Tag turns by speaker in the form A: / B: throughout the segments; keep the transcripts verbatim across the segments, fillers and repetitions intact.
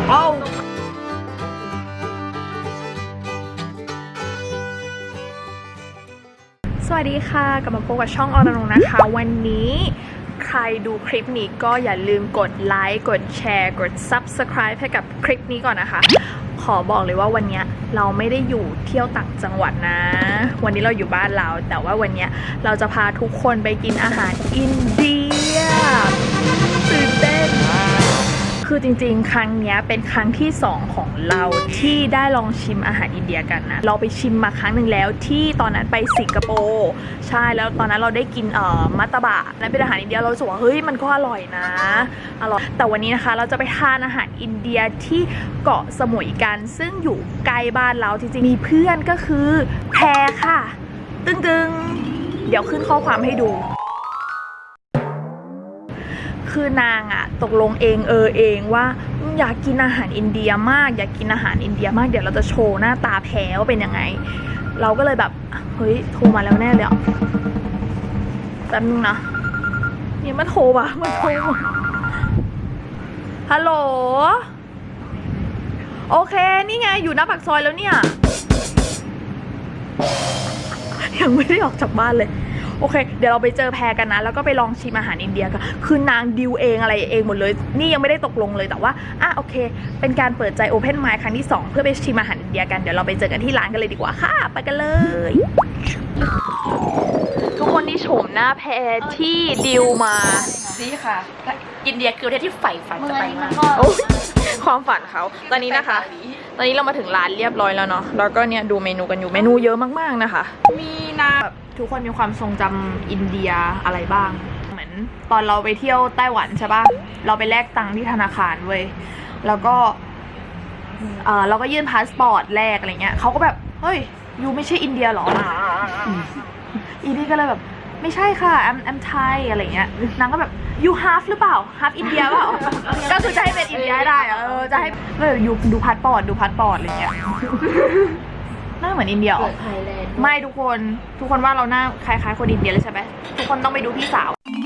A: เอ้าสวัสดีค่ะกลับมาพบกับช่องอรนงนะคะวันนี้ใครดูคลิปนี้ก็อย่าลืมกดไลค์กดแชร์กด ซับสไครบ์ ให้กับคลิปนี้ก่อนนะคะขอบอกเลยว่าวันนี้เราไม่ได้อยู่เที่ยวต่างจังหวัดนะวันนี้เราอยู่บ้านเราแต่ว่าวันนี้เราจะพาทุกคนไปกินอาหารอินเดียตื่นเต้นคือจริงๆครั้งนี้เป็นครั้งที่สองของเราที่ได้ลองชิมอาหารอินเดียกันนะเราไปชิมมาครั้งหนึ่งแล้วที่ตอนนั้นไปสิงคโปร์ใช่แล้วตอนนั้นเราได้กินเอ่อมัตตบะนั่นเป็นอาหารอินเดียเรารู้สึกว่าเฮ้ยมันก็อร่อยนะอร่อยแต่วันนี้นะคะเราจะไปทานอาหารอินเดียที่เกาะสมุยกันซึ่งอยู่ใกล้บ้านเราจริงๆมีเพื่อนก็คือแพรค่ะตึงๆเดี๋ยวขึ้นข้อความให้ดูคือนางอะตกลงเองเออเองว่าอยากกินอาหารอินเดียมากอยากกินอาหารอินเดียมากเดี๋ยวเราจะโชว์หน้าตาแพ้ว่าเป็นยังไงเราก็เลยแบบเฮ้ยโทรมาแล้วแน่เลยอ่ะแป๊บนึงนะนี่มาโทรป่ะมาโทรฮัลโหลโอเคนี่ไงอยู่หน้าปากซอยแล้วเนี่ยยังไม่ได้ออกจากบ้านเลยโอเคเดี๋ยวเราไปเจอแพรกันนะแล้วก็ไปลองชิมอาหารอินเดียกันคือนางดิวเองอะไรเองหมดเลยนี่ยังไม่ได้ตกลงเลยแต่ว่าอ่ะโอเคเป็นการเปิดใจโอเพนไมล์ครั้งที่สองเพื่อไปชิมอาหารอินเดียกันเดี๋ยวเราไปเจอกันที่ร้านกันเลยดีกว่าค่ะไปกันเลยทุกคนนี่โฉมหน้าแพรที่ดิวมานี่ค่ะอินเดียคือประเทศที่ใฝ่ฝันจะไปมากความฝันเขาตอนนี้นะคะตอนนี้เรามาถึงร้านเรียบร้อยแล้วเนาะแล้วก็เนี่ยดูเมนูกันอยู่เมนูเยอะมากๆนะคะมีนาแบบทุกคนมีความทรงจำอินเดียอะไรบ้างเหมือนตอนเราไปเที่ยวไต้หวันใช่ปะเราไปแลกตังค์ที่ธนาคารเว้ยแล้วก็เออเราก็ยื่นพาสปอร์ตแลกอะไรเงี้ยเขาก็แบบเฮ้ยยูไม่ใช่อินเดียหรออีนี่ก็เลยแบบไม่ใช่ค่ะ I'm I'm Thai อะไรเงี้ยนางก็แบบ you half หรือเปล่า half อินเดียเปล่าก็คือจะให้เป็นอินเดียได้เออจะให้ก็แบบยูดูพาสปอร์ตดูพาสปอร์ตอะไรเงี้ยหน้าเหมือนอินเดียหรอไม่ทุกคนทุกคนว่าเราหน้าคล้ายๆคนอินเดียเลยใช่ไหมทุกคนต้องไปดูพี่สาว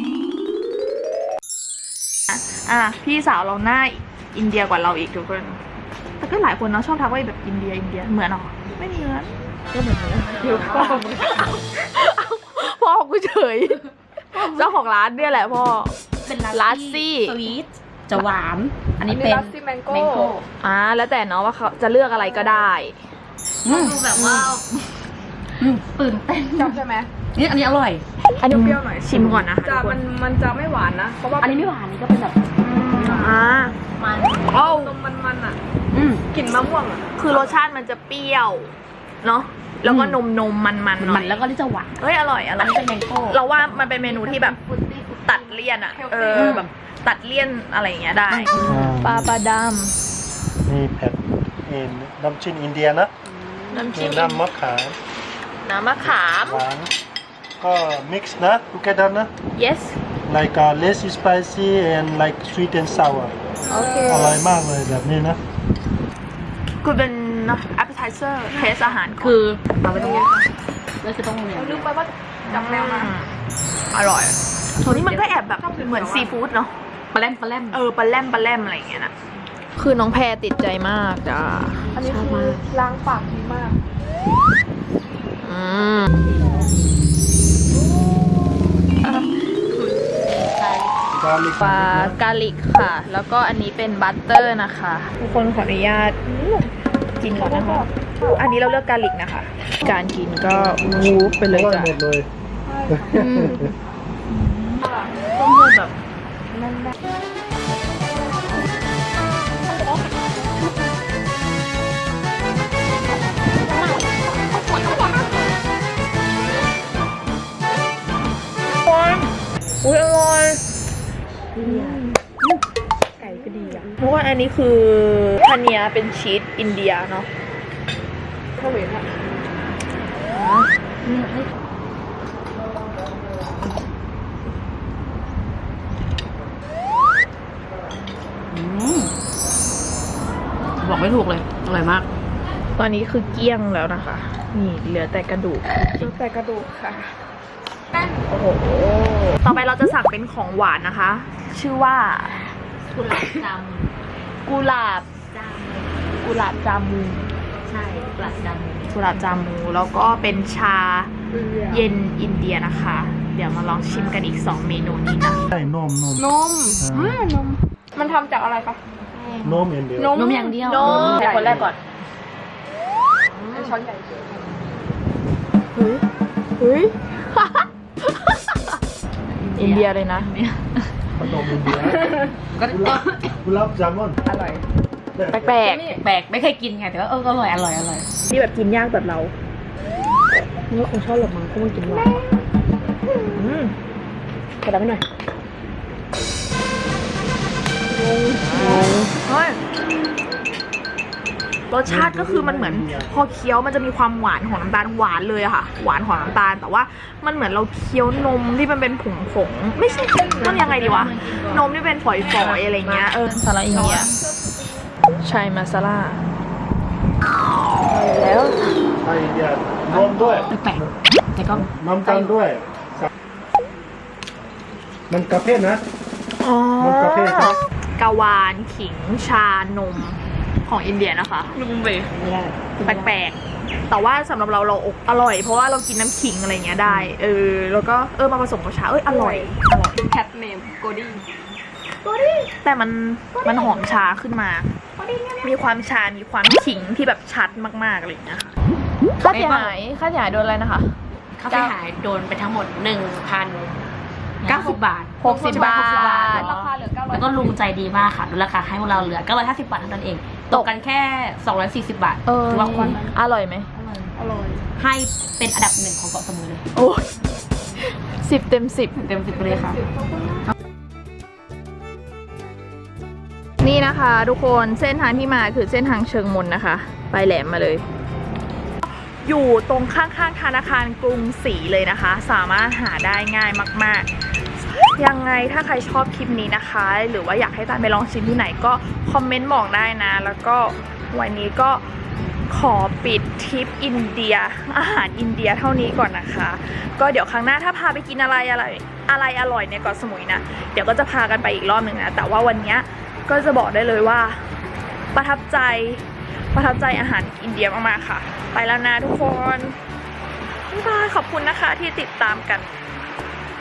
A: อ่ะพี่สาวเราหน้าอินเดียกว่าเราอีกทุกคนแต่ก็หลายคนเนาะชอบทักว่าแบบอินเดียอินเดียเหมือนหรอไม่เหมือนก็เหมือนเดี๋ยวพ่อพ่อกูเฉยเจ้าของร้านเนี่ยแหละพ่อ
B: เป็นลา
A: ซี่
B: สวีทจะหวานอันนี้เป็น
A: แมงโก้อ่าแล้วแต่เนาะว่าเขาจะเลือกอะไรก็ได้
B: ดูแบบว่าตื่นเต้น
C: ใช่ไหม
B: นี่อันนี้อร่อย
A: อันนี้เปรี้ยวหน่อยชิมก่อนนะคะ
C: จะมันมันจะไม่หวานนะเพราะว่า
B: อันนี้ไม่หวานนี่ก็เป็นแบบ
A: อ่า
B: มัน
A: โอ้
C: มันมันอ่ะ
A: กลิ่นมะม่วงอ่ะคือรสชาติมันจะเปรี้ยวเนาะแล้วก็นมนมมันมันหน่อย
B: แล้วก็ที่จะหวาน
A: เฮ้ยอร่อยอร่อย
B: เป็นแมงโก้
A: เราว่ามันเป็นเมนูที่แบบตัดเลี่ยนอ่ะเออแบบตัดเลี่ยนอะไรอย่างเงี้ยได้ปลาปลาด
D: ำนี่เผ็ดนี่น้ำจิ้มอินเดียนะ
A: น้ำจิ้ม
D: น้ำมะขาม
A: น้ำมะขาม
D: หวานก็ mix นะ together นะ
A: yes
D: like uh, less spicy and like sweet and sour
A: โอเค
D: อร่อยมากเลยแบบนี้นะ
A: คือเป็น appetizer เทสอาหาร
B: คือเราไม่ต้องเรียนเราจะต้องเรียน
C: ลืมไปว่าจำแนวมา
A: อร่อยตัวนี้มันก็แอบแบบเหมือนซีฟู้ดเนาะ
B: ปลาแรมปลาแรม
A: เออปลาแรมปลาแรมอะไรอย่างเงี้ยนะคือน้องแพรติดใจมากจ้า
C: อันนี้คือล้างปากดีมาก
A: อืมปลากาลิกค่ะแล้วก็อันนี้เป็นบัตเตอร์นะคะทุกคนขออนุญาตกินก่อนนะคะอันนี้เราเลือกกาลิกนะคะการกินก็วูฟไปเลยจ้ะ
D: หมดเลย
A: ต้องพูดแบบอุ้ยอร่อยไก่ก็ดีอ่ะเพราะว่าอันนี้คือทาเนียเป็นชีสอินเดียเนาะ
C: ข้าวเหนียวอ่ะ
B: บอกไม่ถูกเลยอร่อยมาก
A: ตอนนี้คือเกลี้ยงแล้วนะคะนี่เหลือแต่กระดูก
C: เหลือแต่กระดูกค่ะ
A: โอ้โหต่อไปเราจะสั่งเป็นของหวานนะคะชื่อว่า
B: กุหลาบด
A: ำกุหลาบ
B: จาม
A: กุหลาบจามู
B: ใช่กุหลาบจาม
A: กุหลาบจามูแล้วก็เป็นชาเย็นอินเดียนะคะ เดี๋ยวมาลองชิมกันอีกสองเมนูนี้นะ
D: ใช่นมนม
C: นมอ่านม มันทำจากอะไรคะ
D: นมอย่างเดียวน
C: ม
B: นมอย่างเดียวน
A: ม
B: แต่คนแรกก่อน
C: เป็นช้อนใหญ่เกิน
A: เฮ้ยเฮ้ย อินเดียเลยนะ
D: ขนมอินเดีย
B: ก็
D: กุหลาบกุหลาบจามอน
C: อร่อย
A: แปลก
B: แปลกไม่เคยกินไงแต่ว่าเอออร่อยอร่อยอร่อย
A: ๆที่แบบกินยากแบบเราเมื่อคงชอบหรอกมั้งคงไม่กินหรอกอืมกระดับไปหน่อยงงเฮ้ยรสชาติก็คือมันเหมือนพอเคี้ยวมันจะมีความหวานของน้ำตาลหวานเลยอะค่ะ หวานของน้ำตาลแต่ว่ามันเหมือนเราเคี้ยวนมที่มันเป็นผงผงๆไม่ใช่มันยังไงดีวะนมที่เป็นฝอยๆอะไรเงี้ยเออซาลาอินเดียใช่มาซาลาแล้ว
D: ใช่อินเดียนมด้วย
B: แปลกๆแต่ก็
D: น้ำตาลด้วย มันกาแฟนะ
A: อ๋อ
D: มันกาแฟครับ
A: กาวานขิงชานมของอินเดียนะคะ
B: ลุงเบย์
A: แปลกๆ แต่ว่าสำหรับเราเราอกอร่อย เพราะว่าเรากินน้ำขิงอะไรเงี้ยได้ เออ แล้วก็เออมาผสมกับชา เอ้ยอร่อย อร่อย
C: แคทเนมโกดี้
A: แต่มันมันหอมชาขึ้นมา มีความชา มีความขิงที่แบบชัดมากๆอะไรอย่างเงี้ยค่ะค่าเสียหายค่าเสียหายโดนอะไรนะคะ
B: ค่าเสียหายโดนไปทั้งหมดหนึ่งพันเก้าสิบบาท
A: หกสิบบาท
C: ราคาเหลือเก้าร้อย
B: แล้วก็ลุงใจดีมากค่ะลดราคาให้พวกเราเหลือเก้าร้อยห้าสิบบาทเท่านั้นเองตกกันแค่สองร้อยสี่สิบบาท
A: เออ
B: ถือว่าคุ้ม
A: อร่อยไหม
C: อร่อย
B: ให้เป็นอันดับหนึ่งของเกาะสมุยเลย
A: โอ้ยสิบเต็มสิบ
B: เต็มสิบเลยค่ะ
A: นี่นะคะทุกคนเส้นทางที่มาคือเส้นทางเชิงมนนะคะ ไปแหลมมาเลย อยู่ตรงข้างๆธนาคารกรุงศรีเลยนะคะ สามารถหาได้ง่ายมากๆ ยังไงถ้าใครชอบคลิปนี้นะคะ หรือว่าอยากให้ตามไปลองชิมที่ไหนก็คอมเมนต์บอกได้นะ แล้วก็วันนี้ก็ขอปิดทริปอินเดียอาหารอินเดียเท่านี้ก่อนนะคะ ก็เดี๋ยวครั้งหน้าถ้าพาไปกินอะไรอะไรอะไรอร่อยในเกาะสมุยนะเดี๋ยวก็จะพากันไปอีกรอบหนึ่งนะแต่ว่าวันนี้ก็จะบอกได้เลยว่าประทับใจประทับใจอาหารอินเดียมากๆค่ะ ไปแล้วนะทุกคนบ๊ายบายขอบคุณนะคะที่ติดตามกัน